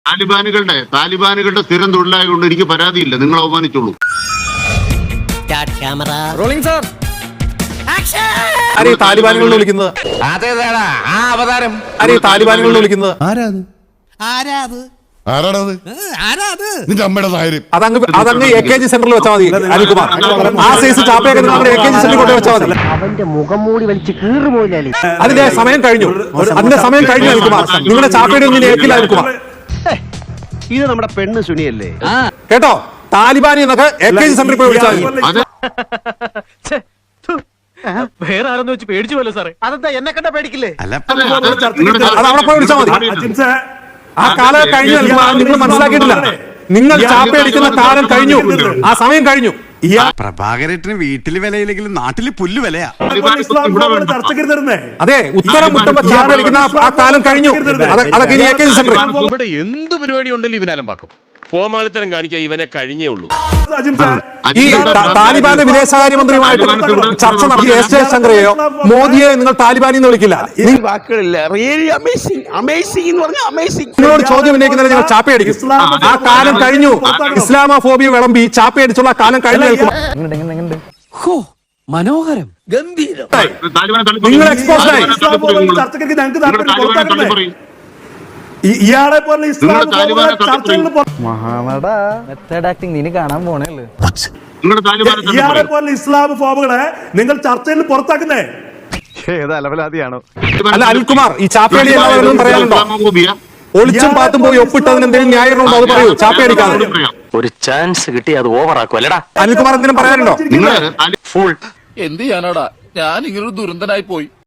താലിബാനുകളുടെ സ്ഥിരം തൊഴിലായതുകൊണ്ട് എനിക്ക് പരാതിയില്ല. നിങ്ങൾ അവമാനിച്ചോളൂ. താലിബാനുകളിൽ വിളിക്കുന്നത് താലിബാനുകളിൽ വിളിക്കുന്നത് അതങ്ങ് AKG സെന്ററിൽ വെച്ചാൽ മതി. അനിൽകുമാർ ആ സൈസ് ചാപ്പയൊക്കെ നിങ്ങൾ AKG സെന്ററിൽ കൊണ്ട് വെച്ചാൽ മതി. അവന്റെ മുഖം മൂടി വലിച്ച് കീറുപോയില്ലേ. അതിന്റെ സമയം കഴിഞ്ഞു. അനിൽകുമാർ നിങ്ങളുടെ ചാപ്പയുടെ ഒന്നും ഏൽക്കില്ല. അനിൽകുമാർ ഇത് നമ്മുടെ പെണ്ണ് സുനിയല്ലേ കേട്ടോ? താലിബാനി എന്നൊക്കെ AKG സെന്ററിൽ പോയി വിളിച്ചാൽ മതി. വേറെ ആരെന്ന് വെച്ച് പേടിച്ചു പോലെ സാറേ. അതെന്താ എന്നെ കണ്ട പേടിക്കില്ലേ? അത് അവിടെ പോയി വിളിച്ചാൽ മതി. ആ കാലം കഴിഞ്ഞു. നിങ്ങൾ മനസ്സിലാക്കിയിട്ടില്ല. നിങ്ങൾ ചാപ്പയടിക്കുന്ന കാലം കഴിഞ്ഞു. ആ സമയം കഴിഞ്ഞു. പ്രഭാകരേട്ടന് വീട്ടില് വിലയില്ലെങ്കിലും നാട്ടില് പുല്ല് വിലയാ. അതെ, ഉത്തരം മുട്ടുമ്പോ ചാപ്പയടിക്കുന്ന ആ കാലം കഴിഞ്ഞു. അതൊക്കെ AKG സെന്റർ. ഇവിടെ എന്ത് പരിപാടി ഉണ്ടല്ലോ ഇവനാലും പാക്കും. ഫോമാളിത്തരം കാണിക്കാൻ ഇവനെ കഴിഞ്ഞേ ഉള്ളൂ. ഈ താലിബാന്റെ വിദേശകാര്യമന്ത്രിയുമായിട്ട് ചർച്ച നടത്തിയ S ജയശങ്കറെയോ മോദിയെ നിങ്ങൾ താലിബാനി എന്ന് വിളിക്കില്ല. നിങ്ങളോട് ചോദ്യം ഉന്നയിക്കുന്നതിന് നിങ്ങൾ ചാപ്പയടിക്കും. ആ കാലം കഴിഞ്ഞു. ഇസ്ലാമോഫോബിയ വിളമ്പി ചാപ്പയടിച്ചുള്ള കാലം കഴിഞ്ഞു. മനോഹരം, ഗംഭീരം. നിങ്ങൾ എക്സ്പോസ്ഡായി. ഇയാളെ പോലെ ഇയാളെ പോലെ ഇസ്ലാം ഫോമുകളെ നിങ്ങൾ ചർച്ചയിൽ പുറത്താക്കുന്നേ ഏതലവലാതിയാണോ? അല്ല അനിൽകുമാർ, ഈ ചാപ്പയടി എല്ലാവരും പറയാനുണ്ടോ? ഒളിച്ചും പാത്തും പോയി ഒപ്പിട്ടതിന് എന്തെങ്കിലും ന്യായമുണ്ടോ? അത് പറയൂ. ചാപ്പയടിക്കാതെ ഒരു ചാൻസ് കിട്ടി അത് ഓവറാക്കും അല്ലടാ. അനിൽകുമാർ എന്തിനും പറയാനുണ്ടോ? ഫുൾ എന്ത് ചെയ്യാനാടാ, ഞാൻ ഇങ്ങനൊരു ദുരന്തനായി പോയി.